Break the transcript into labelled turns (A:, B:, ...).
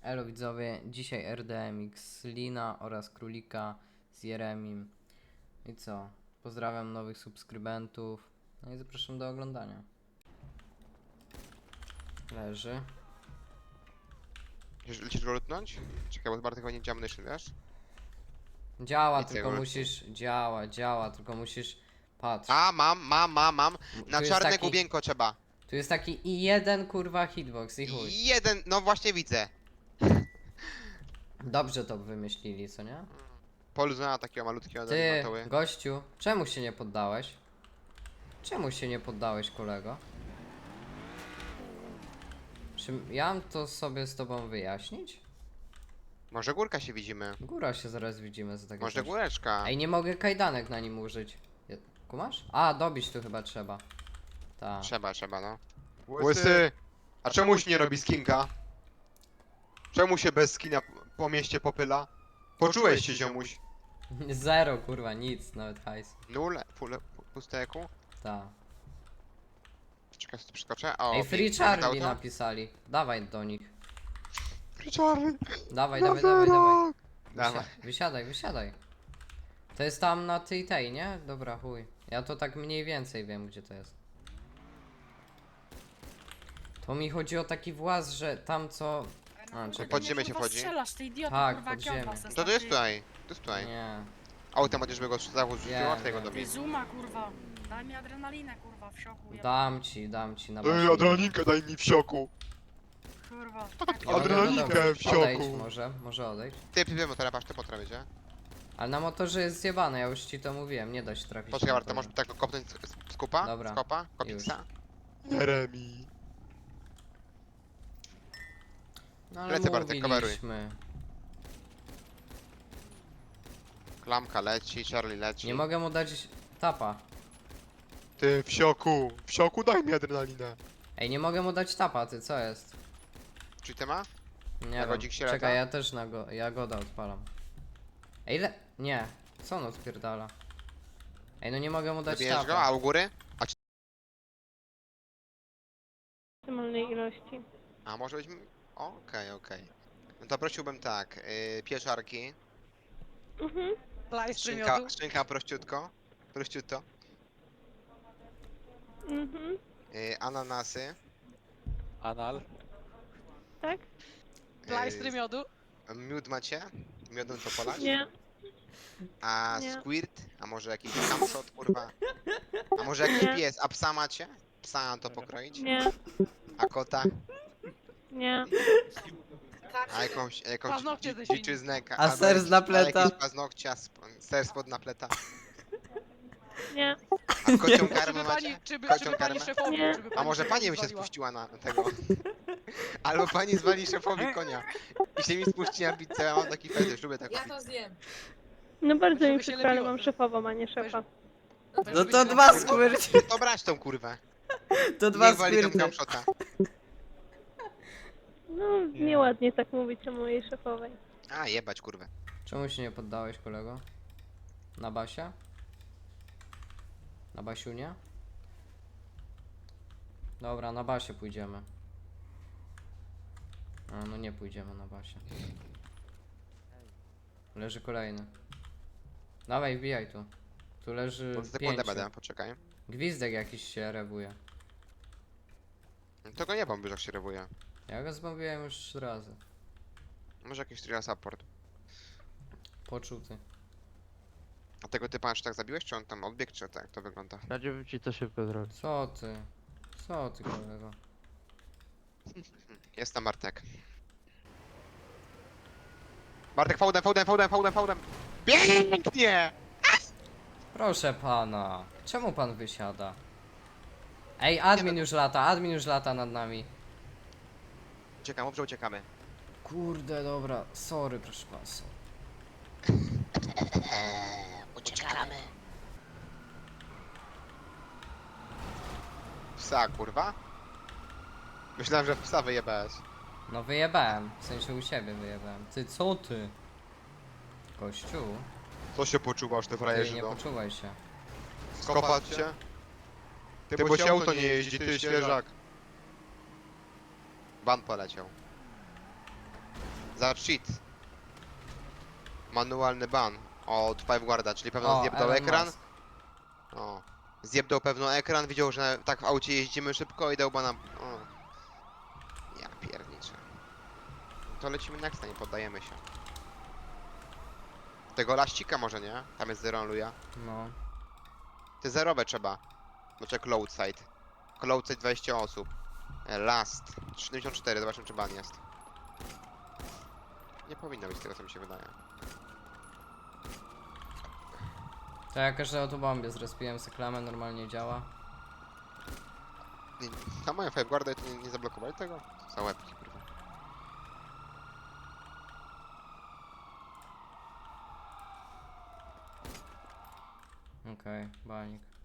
A: Elo widzowie, dzisiaj RDMX, Lina oraz Królika z Jeremim. I co? Pozdrawiam nowych subskrybentów. No i zapraszam do oglądania. Leży.
B: Lecisz go lutnąć? Czekaj, bo Bartek chyba nie działa myśl, wiesz?
A: Działa,
B: Nic
A: tylko
B: nie
A: musisz... Działa, tylko musisz... Patrz.
B: A, mam.
A: Tu
B: Na
A: jest
B: czarne
A: taki...
B: główienko trzeba.
A: Tu jest taki i jeden kurwa hitbox i chuj.
B: Jeden, no właśnie widzę.
A: Dobrze to wymyślili, co nie?
B: Poluzona takiego malutkiego
A: Ty,
B: matoły.
A: gościu, czemu się nie poddałeś? Czemu się nie poddałeś, kolego? Czy ja mam to sobie z tobą wyjaśnić?
B: Może górka się widzimy.
A: Góra się zaraz widzimy za takie
B: Może
A: coś.
B: góreczka.
A: Ej, nie mogę kajdanek na nim użyć. Kumasz? A, dobić tu chyba trzeba. Ta.
B: Trzeba, no. Łysy! A czemuś nie robi skinka? Czemu się bez skina po mieście popyla? Poczułeś się, ziomuś?
A: Zero, kurwa, nic, nawet hajs.
B: Nul, pusteku.
A: Ta.
B: Czekaj, co tu przeskoczę. O,
A: Ej, Free
B: pięknie,
A: Charlie
B: auto.
A: napisali. Dawaj do nich.
B: Free Charlie!
A: Dawaj.
B: Dawaj.
A: Wysiadaj. To jest tam na tej, nie? Dobra, chuj. Ja to tak mniej więcej wiem, gdzie to jest. To mi chodzi o taki właz, że tam co... A, czekaj.
B: Pod ziemię się wchodzi?
C: Strzelasz, ty idiota,
A: Tak,
C: kurwa,
A: pod
C: jak ja od
A: ziemię.
C: was
B: To jest
C: jestem,
B: tutaj. To jest tutaj.
A: Nie.
B: Autem będziesz go zachód rzucił,
A: Wiem,
B: a tego
A: wiem.
C: Ty
B: dobić.
C: zuma, kurwa. Daj mi adrenalinę, kurwa, w szoku.
A: Dam ci na
B: daj mi w sioku.
C: Kurwa.
B: Adrenalinkę w sioku.
A: Odejdź może odejść.
B: Ty, motora, patrz, te potra będzie.
A: Ale na motorze jest zjebane, ja już ci to mówiłem, nie da się trafić.
B: Poczekaj,
A: na
B: Marta,
A: motorze.
B: możesz tak go kopnąć z kupa?
A: Dobra,
B: Z kopa? Kopiksa?
D: Jeremi.
A: No ale
B: Lecę, Bartek,
A: mówiliśmy.
B: Klamka leci, Charlie leci.
A: Nie mogę mu dać tapa.
D: Ty w sioku daj mi adrenalinę.
A: Ej, nie mogę mu dać tapa, ty co jest?
B: Czyli ty ma?
A: Nie
B: Jagodzik
A: wiem.
B: się lata?
A: Czekaj, ja też Jagoda odpalam. Ej, nie. Co on odpierdala? Ej, no nie mogę mu dać
B: Zabijesz go,
A: tapa.
B: a u góry?
E: Maksymalnej ilości.
B: A może być... Okej. No to prosiłbym tak, pieczarki,
E: Mhm.
B: szynka prościutko, prościutto,
E: Mhm.
B: ananasy,
F: Anal.
E: Tak?
C: Plajstry miodu?
B: miód macie? Miodem co polać?
E: Nie.
B: A
E: Nie.
B: squirt? A może jakiś camshot, kurwa? A może jakiś
E: Nie.
B: pies? A psa macie? Psa na to pokroić?
E: Nie.
B: A kota?
E: Nie.
B: A jakąś
C: Paznokcie ze świni.
B: dziczyznę?
A: A ser z napleta?
B: A jakieś paznokcia, ser spod napleta?
E: Nie.
B: A kocią karmę macie? Kocią
C: Czy by pani
B: karmę?
C: szefowi,
E: Nie.
C: żeby
B: A
C: pani
B: może
C: szefowi
B: pani by się
C: zwaliła?
B: spuściła na tego? Albo pani zwali szefowi konia i się mi spuści na pizzę, ja mam taki fetysz, lubię taką
G: Ja
B: pizzę.
G: to zjem.
E: No bardzo
C: Żeby
E: mi
C: się
E: przykro, ale
C: lepiło.
E: mam szefową, a nie szefa.
A: No to dwa squirty.
B: To brać tą kurwę,
A: To dwa
B: niech wali tą
A: squirty.
B: camshota.
E: No, nieładnie tak mówić o mojej szefowej.
B: A, jebać kurwę.
A: Czemu się nie poddałeś, kolego? Na basie? Na basiunie? Dobra, na basie pójdziemy. A, no nie pójdziemy na basie. Leży kolejny. Dawaj, wbijaj tu. Tu leży
B: Bo sekundę
A: 5.
B: będę, poczekaj.
A: Gwizdek jakiś się rewuje.
B: To go nie bomby, jak się rewuje.
A: Ja go zbawiłem już 3 razy.
B: Może jakiś trial support.
A: Poczuty.
B: A tego typa aż tak zabiłeś, czy on tam odbiegł, czy tak to wygląda?
F: Radziłbym ci to szybko zrobić.
A: Co ty? Co ty, kolego?
B: Jest tam Bartek. Bartek, fałdem! Pięknie!
A: Proszę pana. Czemu pan wysiada? Ej, admin już lata nad nami.
B: Uciekamy.
A: Kurde, dobra. Sorry, proszę pana. Sorry.
B: Uciekamy. Psa, kurwa? Myślałem, że w psa wyjebałeś.
A: No wyjebałem. W sensie u siebie wyjebałem. Ty, co ty? Kościół?
B: Co się poczuwasz, ty
A: Ty
B: frajerzy,
A: nie
B: no?
A: poczuwaj się.
B: Skopać cię? Ty, bo się auto nie jeździ, ty świeżak. Ban poleciał. Za cheat. Manualny ban od Fiveguarda, czyli pewno zjebdał
A: Elon
B: ekran.
A: Musk.
B: O. Zjebdał pewno ekran, widział, że tak w aucie jeździmy szybko i dał bana. O. Ja pierniczę. To lecimy next, nie poddajemy się. Tego laścika może nie? Tam jest zero luja.
A: No.
B: Ty zerowe trzeba. Znaczy cloud side. Cloud side 20 osób. Last 74, zobaczymy czy ban jest. Nie powinno być z tego co mi się wydaje.
A: To ja każde autobombie zrespiłem se klamę, normalnie działa.
B: Na moją Fiveguardę to nie zablokowali tego? Za łebki, kurwa.
A: Okej, banik.